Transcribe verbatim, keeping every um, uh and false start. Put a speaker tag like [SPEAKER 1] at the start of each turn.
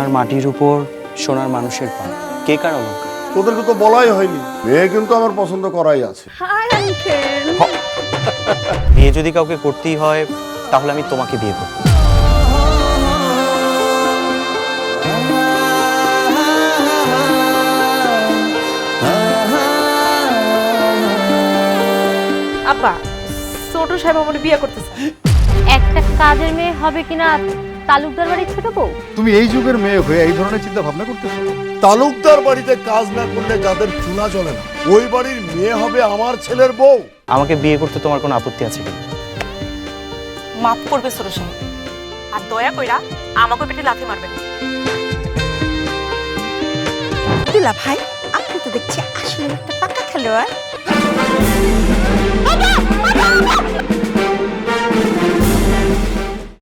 [SPEAKER 1] সোনার মাটির উপর সোনার মানুষের পা, কে কার অলঙ্কার?
[SPEAKER 2] তোদেরকে তো বলাই হয়নি, মেয়ে কিন্তু আমার পছন্দ করাই আছে।
[SPEAKER 3] Hi uncle.
[SPEAKER 1] বিয়ে যদি কাউকে করতেই হয় তাহলে আমি তোমাকে বিয়ে করব।
[SPEAKER 3] আব্বা, ছোট সাহেব আমার বিয়ে করতেছে।
[SPEAKER 4] একটা কাজের মেয়ে হবে কিনা তালুকদার বাড়ির ছোট বউ?
[SPEAKER 5] তুমি এই যুগের মেয়ে হয়ে এই ধরনের চিন্তা ভাবনা করতেছো?
[SPEAKER 2] তালুকদার বাড়িতে কাজ না করলে যাদের চুলা চলে না, ওই বাড়ির মেয়ে হবে আমার ছেলের বউ।
[SPEAKER 1] আমাকে বিয়ে করতে তোমার কোনো আপত্তি আছে কি?
[SPEAKER 6] মাফ করবে ছোট সাহেব, আর দয়া কইরা আমাকে পেটে লাথি মারবেন।
[SPEAKER 3] দুলা ভাই, আপনি তো দেখছি আসলে একটা পাকা খেলোয়াড়।